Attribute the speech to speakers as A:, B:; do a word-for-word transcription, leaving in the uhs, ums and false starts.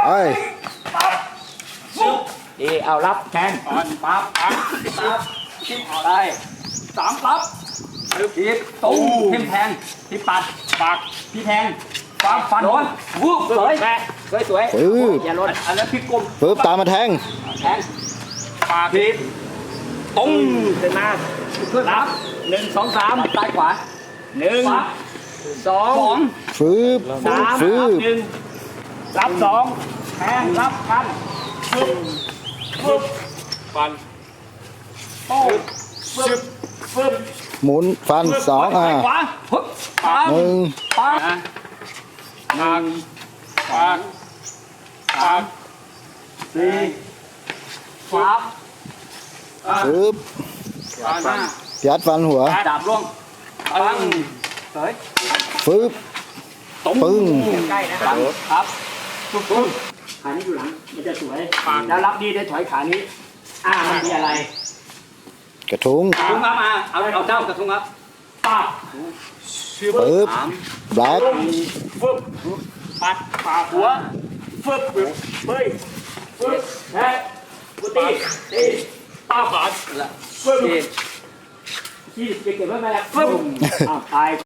A: ปั๊บปุ๊บดีเอารับแทงปั๊บปั๊บปั๊บปั๊บคิดเอาได้สามปั๊บพี่ตุ้มทิมแทงพี่ปัดปากพี่แทงฟันฟันโดนวูบสวยแม่สวยสวยอย่าลดอันนั้นพี่กลม
B: ปึ๊บตามมาแทง
A: แทงปากพี่ตุ้มขึ้นมาขึ้นรับหนึ่งสองสามซ้ายขวาหนึ่งสอง
B: ฟืบ
A: สาม
B: ฟืบ
A: หนึ่งรับสองแทงรับฟันฟึบฟึบฟันโต้ฟึบฟึบ
B: หมุนฟันสองอ่ะ
A: ขวาฮึบปัง
B: หนึ่ง
A: ปังหนึ่งปากปากสี่ฟับ
B: ฟืบ
A: ฟันหน้า
B: ยัดฟันหัว
A: ดาบล่วงปังเฮ้ย
B: ฟืบ
A: ตุ้
B: ปึ้ง
A: ใกล้นะครับครับปุ๊บปุ๊บขานี้อยู่หลังมันจะสวยแล้วรับดีได้ถอยขานี้อ่ามันมีอะไร
B: กระทุ้ง
A: กระทุ้งครับมาเอาเอาเจ้ากระทุ้งครับป้า
B: ปึ๊บ
A: สาม
B: แบล็ค
A: ฟึบปัดปากหัวฟึบฟึบเฮ้ยฟึบแทะกุตีตีป้าขาดฟึบที่เก็บไว้ไหมล่ะฟึบอ้าวตาย